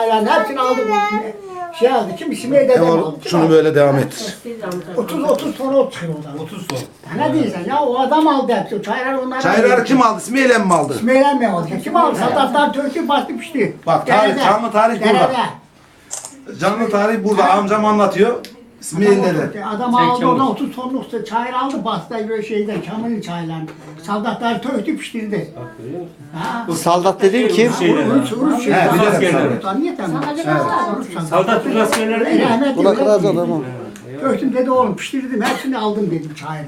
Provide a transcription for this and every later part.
Yani hepsini aldı bu şey aldı. Kim İsmail dedem aldı. Şunu böyle devam ettir. 30 ton ot çıkıyor oradan. 30 ton. Ne diyorsun ya o adam aldı hepsi. Çaylar onlara. Çayları kim aldı? İsmail'e mi aldı? İsmail'e mi aldı? Kim aldı? Sadatlar Türk'ü bastı pişti. Bak tarih, canlı tarih burada. Derede. Canlı tarih burada. Amcam anlatıyor. İsmail dede. Adam aldı oradan 30 tonluk çayır aldı bastı böyle şeyden Kamil çaylarını. Saldatlar töktü piştirdi. Ha. Saldat dediğin kim? Urus şey. He, bilirim askerler. Tanıyor tamam. Saldat Türk askerleri değil mi? Rahmetli. Buna kıraz adamı. Töktüm dedi oğlum piştirdim hepsini aldım dedim çayırı.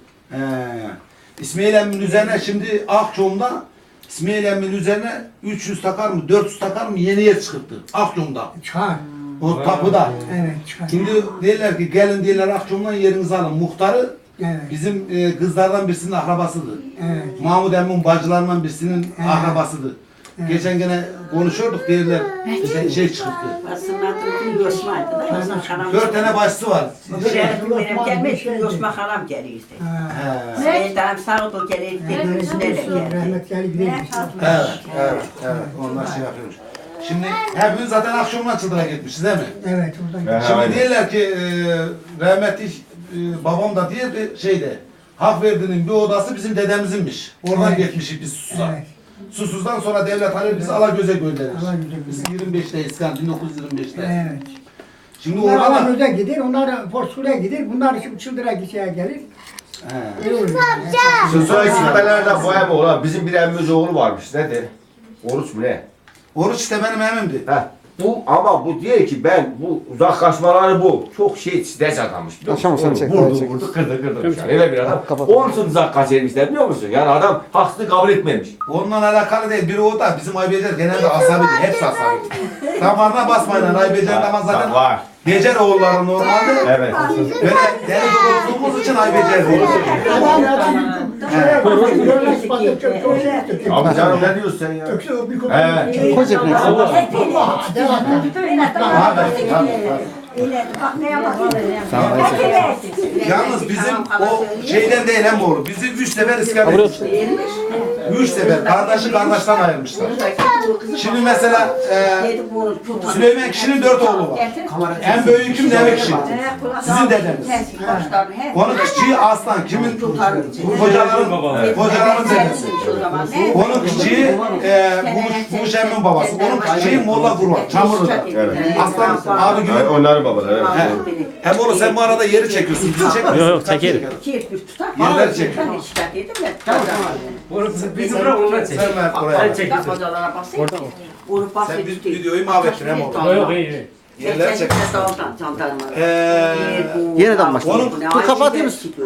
İsmail emmin üzerine şimdi Akçom'da İsmail emmin üzerine 300 takar mı 400 takar mı yeni yer çıkarttı Akçom'da. Çıkar. O tapuda. Evet çıkar. Şimdi derler ki gelin diyorlar Akçom'dan yerinizi alın. Muhtarı Evet. bizim kızlardan birisinin akrabasıdır. Evet. Mahmut emmin bacılarından birisinin akrabasıdır. Geçen gene konuşuyorduk derler şey çıktı. Aslında Türk'ün yosmaydı da yosma haram. 4 tane başlısı var. Şerefim benim gelmez, yosma haram geliyor işte. Seydan sağ ol geliyor, üstüne geliyor. Rahmet geldi gidelim. Evet. Onlar şey yapıyormuş. Şimdi hepimiz zaten akşamdan Çıldır'a gitmişiz değil mi? Evet oradan. Şimdi diyorlar ki rahmetli babam da diye bir şeyde Hakverdi'nin bir odası bizim dedemizinmiş. Oradan Evet. gitmişik biz Susuz'a. Evet. Susuz'dan sonra devlet alır bizi Alagöz'e gönderir. Alagöz'e Biz 25'teyiz kan 1925'te. Evet. Şimdi Bunlar orada da Alagöz'e gider, onlar Porsu'ya gider, bunlar şimdi Çıldır'a gideceğe gelir. He. Öyle oluyor. Sözü gitmelerde boyama olan bizim bir emmimiz oğlu varmış. Nedir? Oruç mu ne? Oruç işte benim emimdi. Heh. Bu ama bu diyor ki ben bu uzaklaşmaları bu. Çok şey stres adammış. biliyor musun? Akşam seni çek, Vurdu çek. vurdu kırdı. Yani. Öyle bir adam. Kapat. Onun için uzak kaçırmışlar biliyor musun? Yani adam haksızlığı kabul etmemiş. Onunla alakalı değil. Biri o da bizim Aybecer genelde asabi değil. Hepsi asabi. Damarına basmayın. Aybecer damar zaten Var. Becer oğulları normalde. Evet. Böyle deli olduğumuz için Aybecer değil. Adam şuraya koyuyor, görmez, bakıyor, çok şey yaptı. Abi canım ne diyorsun sen ya? Öksü o bir kopuk. Evet. Koy cebine. Yalnız bizim o şeyden değil hem oğlu. Bizi 3 sefer iskan etmişler. 3 sefer. Kardeşi kardeşten ayırmışlar. Şimdi mesela Süleyman kişinin 4 oğlu var. En büyüküm Demek kişi. Sizin dedeniz. Onun küçüğü Aslan. Kimin? Kocaların dedesi. Onun küçüğü Muş Emmin babası. Onun küçüğü Molla Kurban. Çamurlu'da. Evet. Aslan abi gibi. Onların babaları. Evet. Hem oğlum sen bu arada yeri çekiyorsun. Bizi çekmiyorsun. Yok, çekerim. Yerler çekiyor. Bizi bırak ondan çek. Sen ver oraya. Sen çek. Sen videoyu mahvettin hem oğlum. Yok iyi. Yerler çekiyor. Yeniden başla. Onun Dur kapatayım mısın?